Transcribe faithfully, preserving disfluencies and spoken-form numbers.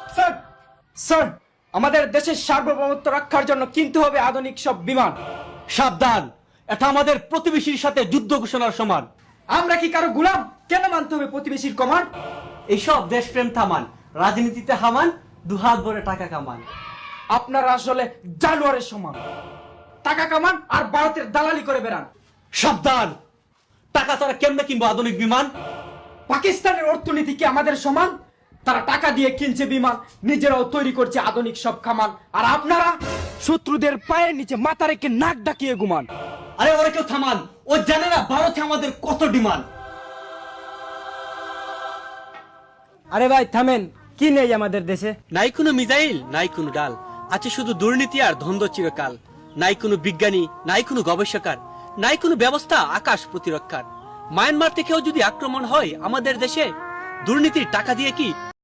Sir sir আমাদের দেশের সার্বভৌমত্ব রক্ষার জন্য কিনতে হবে আধুনিক সব বিমান। সাবধান, এটা আমাদের প্রতিবেশীর সাথে যুদ্ধ ঘোষণার সমান। আমরা কি কারো গোলাম? কেন মানতে হবে প্রতিবেশীর কমান্ড? এইসব দেশপ্রেম থামান, রাজনীতিতে হামান, দুহাত ভরে টাকা কামান। আপনারা আসলে জানোয়ারের সমান, টাকা কামান আর ভারতের দালালি করে বেড়ান। সাবধান, টাকা ছাড়া কেমনে কিনবো আধুনিক বিমান? পাকিস্তানের অর্থনীতি কি আমাদের সমান? তারা টাকা দিয়ে কিনছে বিমান, নিজেরাও তৈরি করছে আধুনিক সব কামান, আর আপনারা শত্রুদের পায়ের নিচে মাথা রেখে নাক ডাকিয়ে ঘুমান। আরে ওরা কেউ থামান, ও জানে না ভারতে আমাদের কত ডিমান্ড। আরে ভাই থামেন, কি নেই আমাদের দেশে? নাই কোনো মিসাইল, নাই কোনো ডাল, আছে শুধু দুর্নীতি আর ধন্দ চিরকাল। নাই কোনো বিজ্ঞানী, নাই কোনো গবেষকার, নাই কোনো ব্যবস্থা আকাশ প্রতিরক্ষার। মায়ানমার থেকেও যদি আক্রমণ হয় আমাদের দেশে, দুর্নীতির টাকা দিয়ে কি